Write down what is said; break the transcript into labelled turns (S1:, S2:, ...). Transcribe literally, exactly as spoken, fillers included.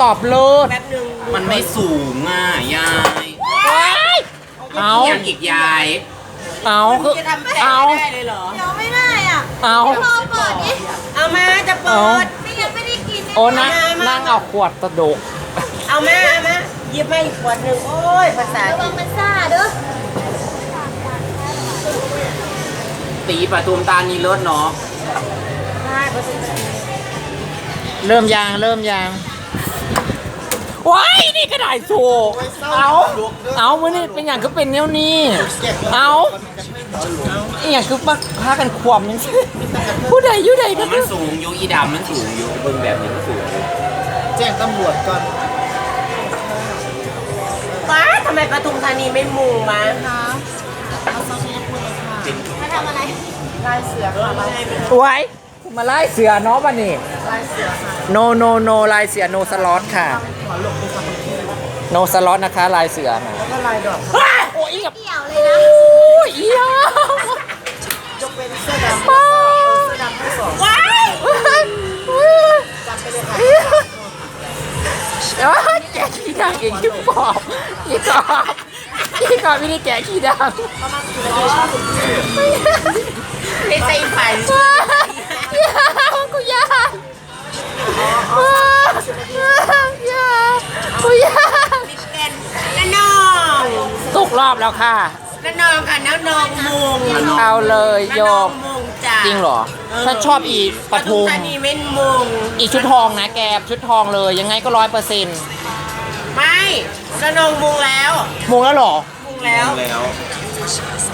S1: ตอบเลิศ
S2: แป๊บนึง
S3: มันไม่สูงอ่ะยาย
S1: เอา
S3: อย่างอีกยาย
S1: เอาคือ
S2: จะทำแผล
S1: เอา
S2: ได้เลยเหรอ
S4: เดี๋ยวไม่ได้อ่ะ
S1: เอา
S4: รอเปิดดิ
S2: เอามาจะเปิ
S1: เอา
S2: ด
S4: ไม่งั้นไม่ได้กิน
S1: โอ้นะนั่งเอาขวดตะดก
S2: เอามาเอามาหยิบมาอีกขวดหนึ่งโอ้ยภาษา
S4: ระวังมันซ่าเด้อ
S3: ตีปทุมตานีเลิศเนาะ
S2: ใช่ภาษา
S1: เริ่มยางเริ่มยางว้ายนี่ก็ได้โชว์เอาเอามือนี่เป็นอย่างคือเป็นแนวนี้เอาอหย่างคือปักพากันขวมยังซี่ผู้ใดอยู่ใดก็
S3: มันสูงอยู่อีดำมันสูงอยู่เบิ่งแบบนี้มันสูงอยู่
S5: แจ้งตำรวจก่อน
S2: ป้าทำไมปทุมธานีไม่มุงมา
S4: มาทำอะไร
S2: ลายเสือค่ะลายเสือ
S1: ไว้มาไล่เสือเนาะบ้านี่
S2: ลายเสือค่ะ
S1: no no no ลายเสือ no slot ค่ะ no slot นะคะลายเสือนะ
S2: ก็ลายดอก
S1: โอ้ยกับ
S4: เกี่ยวเลยนะ
S1: โอ้ยอีหยา
S2: จะเป็นเสื้อดำ
S1: ป้า
S2: เสื้อดำทั้งสองว้าย จำไปเลยค่ะ
S1: เอ้ยแกะขี้ดังอีกที่ปอบอีกอบอีกอบไม่ได้แกะขี้ดัง
S2: ไม่ใส่ไฟ
S1: ยากูยาอยากูยา
S2: เป็นน้าน้อง
S1: ตกรอบแล้วค่ะ
S2: น้าน้องค่ะน้าน้องมุง
S1: เอาเลยโย
S2: น้าน้อง
S1: ม
S2: มุงจ้ะ
S1: จริงเหรอถ้าชอบอีปทุม
S2: ธานีเม่นมุง
S1: อีชุดทองนะแกชุดทองเลยยังไงก็ร้อยเปอร์เซ็นต์
S2: ไม่น้าน้องมุงแล้ว
S1: มงแล้วเหรอ
S2: มุงแล้ว
S3: แล้ว